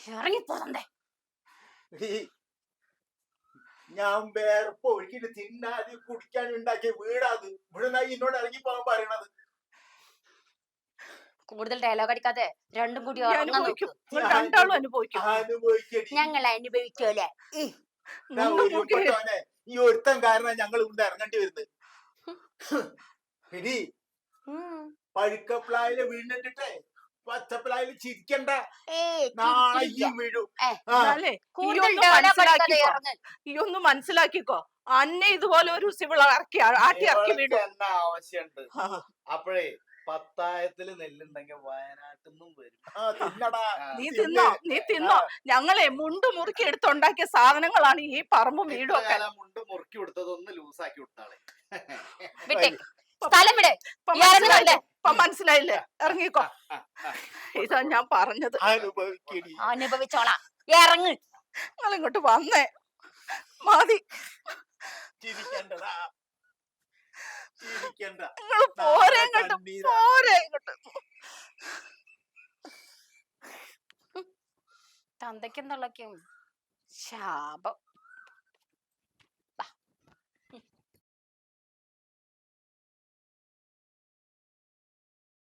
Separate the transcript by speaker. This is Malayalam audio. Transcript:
Speaker 1: ഇറങ്ങിപ്പോതണ്ടേ.
Speaker 2: ഞാൻ വേറെ ഒഴുക്കിട്ട് തിന്നാതെ കുടിക്കാൻ ഉണ്ടാക്കിയ വീടാത്. ഇവിടെ എന്നോട് ഇറങ്ങി പോകാൻ പറയണത്.
Speaker 1: കൂടുതൽ ഡയലോഗ് അടിക്കാതെ രണ്ടും കൂടി ഞങ്ങൾ അനുഭവിച്ചോലെ.
Speaker 2: ഈ ഒരുത്തൻ കാരണം ഞങ്ങൾ ഇവിടെ ഇറങ്ങേണ്ടി വരുന്നത്. എടി പഴുക്കപ്ലായില് വീണിട്ടേ പച്ചപ്ലായില് ചിരിക്കണ്ട. നാളെ ഈ വീഴും.
Speaker 3: ഈ ഒന്ന് മനസ്സിലാക്കിക്കോ. അന്നെ ഇതുപോലെ ഒരു ആട്ടി ഇറക്കി വീടും
Speaker 4: എന്നാ ആവശ്യമുണ്ട്. അപ്പോഴേ പത്തായത്തില് നെല്ലുണ്ടെങ്കിൽ വയനാട്ടിൽ നിന്നും വരും.
Speaker 3: നീ തിന്നോ. ഞങ്ങളെ മുണ്ട് മുറുക്കി എടുത്തുണ്ടാക്കിയ സാധനങ്ങളാണ് ഈ പറമ്പും വീടും ഒക്കെ.
Speaker 4: മുണ്ട് മുറുക്കി കൊടുത്തതൊന്ന് ലൂസാക്കി വിട്ടാളെ.
Speaker 3: മനസ്സിലായില്ലേ? ഇറങ്ങിക്കോ. ഇതാ ഞാൻ പറഞ്ഞത്.
Speaker 1: അനുഭവിച്ചോളാം. ഇറങ്ങ്.
Speaker 3: നിങ്ങൾ ഇങ്ങോട്ട് വന്നേ. മതി. നിങ്ങൾ പോരെ ഇങ്ങോട്ട്. പോരെ ഇങ്ങോട്ട്.
Speaker 1: തന്തയ്ക്കും തള്ളയ്ക്കും ശാപം.